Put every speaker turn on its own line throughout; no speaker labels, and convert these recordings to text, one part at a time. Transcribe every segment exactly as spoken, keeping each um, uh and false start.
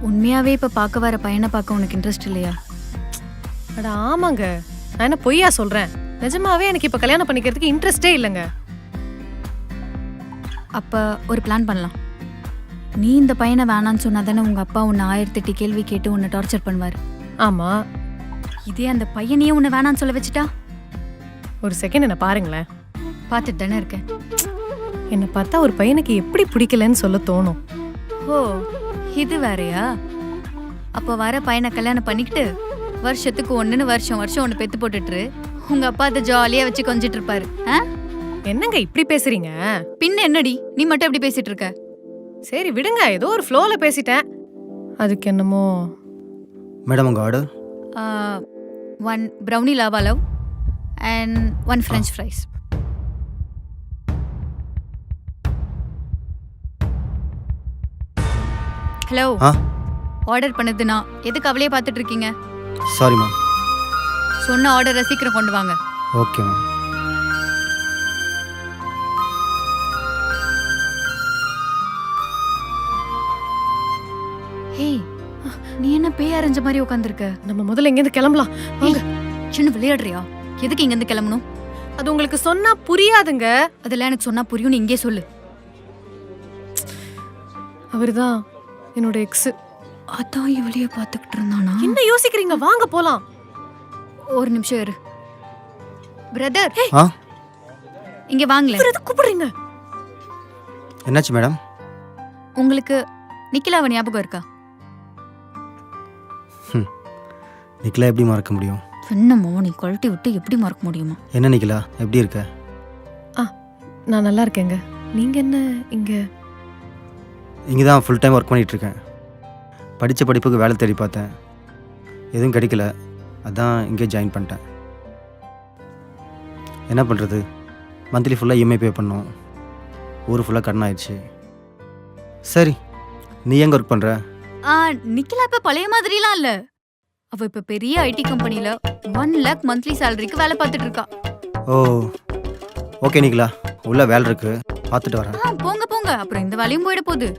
உண்மையாவே இப்ப பார்க்க வர பையனை பார்க்க உனக்கு இன்ட்ரெஸ்ட் இல்லையா?
அட ஆமாங்க, நான் என்ன பொய்யா சொல்றேன்? நிஜமாவே எனக்கு இப்ப கல்யாணம் பண்ணிக்கிறதுக்கு இன்ட்ரெஸ்டே இல்லைங்க.
அப்ப ஒரு பிளான் பண்ணலாம். நீ இந்த பையனை வேணான்னு சொன்னா தானே உங்க அப்பா உன்னை ஆயிரத்தி எட்டு கேள்வி கேட்டு உன்னை டார்ச்சர் பண்ணுவாரு.
ஆமா.
இதே அந்த பையனையே உன்னை வேணான்னு சொல்ல வச்சுட்டா?
ஒரு செகண்ட் என்ன பாருங்களேன்.
பார்த்துட்டு தானே இருக்கேன்.
என்னை பார்த்தா ஒரு பையனுக்கு எப்படி பிடிக்கலன்னு சொல்ல தோணும்.
ஓ, இது வேறயா? அப்போ வர பையனை கல்யாணம் பண்ணிக்கிட்டு வருஷத்துக்கு ஒண்ணுன்னு வருஷம் வருஷம் ஒன்று பெத்து போட்டுட்டு உங்க அப்பா அதை ஜாலியா வச்சு கொஞ்சிட்டு இருப்பாரு.
என்னங்க இப்படி பேசுறீங்க?
பின்ன என்னடி நீ மட்டும் எப்படி பேசிட்டு இருக்க?
சரி விடுங்க, ஏதோ ஒரு ஃப்ளோல பேசிட்டேன். அதுக்கு என்னமோ.
மேடம் உங்க order?
One brownie lava love and one french fries. Hello, order பண்ணது நான். எதுக்கு அவளையே பார்த்துட்டு இருக்கீங்க?
Sorry ma'am.
சொன்ன ஆர்டரை சீக்கிரம் கொண்டு வாங்க.
Okay ma'am.
ஹேய், நீ என்ன பேய் அரைஞ்ச மாதிரி உட்காந்துருக்க?
நம்ம முதல்ல இங்கேருந்து கிளம்பலாம் வாங்க.
சின்ன விளையாடுறியா? எதுக்கு இங்கேருந்து கிளம்பணும்?
அது உங்களுக்கு சொன்னா புரியாதுங்க.
அதெல்லாம் எனக்கு சொன்னா புரியும்னு இங்கே சொல்லு.
அவர்தான் என்னோட எக்ஸ்.
அதான் இவளையே பார்த்துக்கிட்டு இருந்தானா?
என்ன யோசிக்கிறீங்க? வாங்க போலாம்.
ஒரு நிமிஷம் இரு பிரதர்.
ஆ
இங்க வாங்களேன்.
எதுக்கு கூப்பிடுறீங்க?
என்னாச்சு மேடம்?
உங்களுக்கு நிக்கிலாவை ஞாபகம் இருக்கா?
நிக்கிலா எப்படி மறக்க முடியும்?
என்னமோ நீ கழட்டி விட்டு எப்படி மறக்க முடியுமா?
என்ன நிக்கிலா, எப்படி இருக்க?
ஆ, நான் நல்லா இருக்கேங்க. நீங்க என்ன இங்க?
இங்கே தான் ஃபுல் டைம் ஒர்க் பண்ணிகிட்டு இருக்கேன். படித்த படிப்புக்கு வேலை தேடி பார்த்தேன், எதுவும் கிடைக்கல. அதான் இங்கே ஜாயின் பண்ணிட்டேன். என்ன பண்ணுறது, மந்த்லி ஃபுல்லாக இஎம்ஐ பே பண்ணோம், ஊர் ஃபுல்லாக கடன் ஆயிடுச்சு. சரி, நீ எங்கே ஒர்க் பண்ணுற?
ஆ, நிக்கிலா இப்ப பழைய மாதிரிலாம் இல்ல. அவ இப்ப பெரிய ஐடி கம்பெனில ஒன் லேக் மந்த்லி சேலரிக்கு வேலை பார்த்துட்டு இருக்கா.
ஓ ஓகே நிக்கிலா, உள்ள வேலை இருக்கு, பார்த்துட்டு வரேன்.
ஆ, போங்க போங்க, அப்புறம் இந்த வேலையும் போயிட போகுது.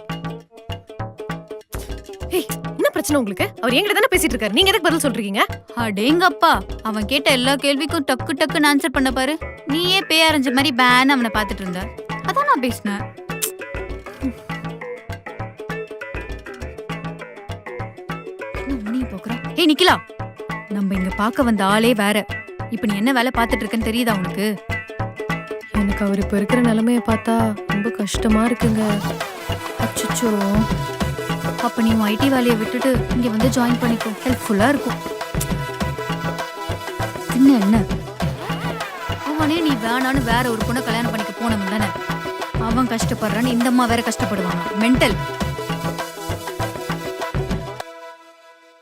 ஏய், என்ன பிரச்சனை உங்களுக்கு? அவர் என்கிட்ட தானே பேசிட்டு இருக்காரு, நீங்க எதுக்கு பதில் சொல்றீங்க?
அடேங்கப்பா, அவன் கேட்ட எல்லா கேள்விக்கும் டக்கு டக்குன்னு ஆன்சர் பண்ண பாரு. நீயே பேய் அரைஞ்ச மாதிரி பேன் அவனை பார்த்துட்டு இருந்த. அதான் நான் பேசினேன். ஏய் நிக்கிலா, நம்ம இங்க பார்க்க வந்த ஆளே வேற. இப்ப நீ என்ன வேலை பார்த்துட்டு இருக்கன்னு தெரியுதா உனக்கு?
எனக்கு அவர் இப்ப இருக்கிற நிலைமைய பார்த்தா ரொம்ப கஷ்டமா இருக்குங்க.
அச்சோ, அப்ப நீ ஐடி வேலையை விட்டுட்டு இங்க வந்து ஜாயின் பண்ணிக்கோ, ஹெல்ப்ஃபுல்லா இருக்கும். என்ன என்ன அவனே நீ வேணான்னு வேற ஒரு பொண்ணை கல்யாணம் பண்ணிக்க போனவன் தானே. அவன் கஷ்டப்படுறான்னு இந்த அம்மா வேற கஷ்டப்படுவாங்க. மென்டல்.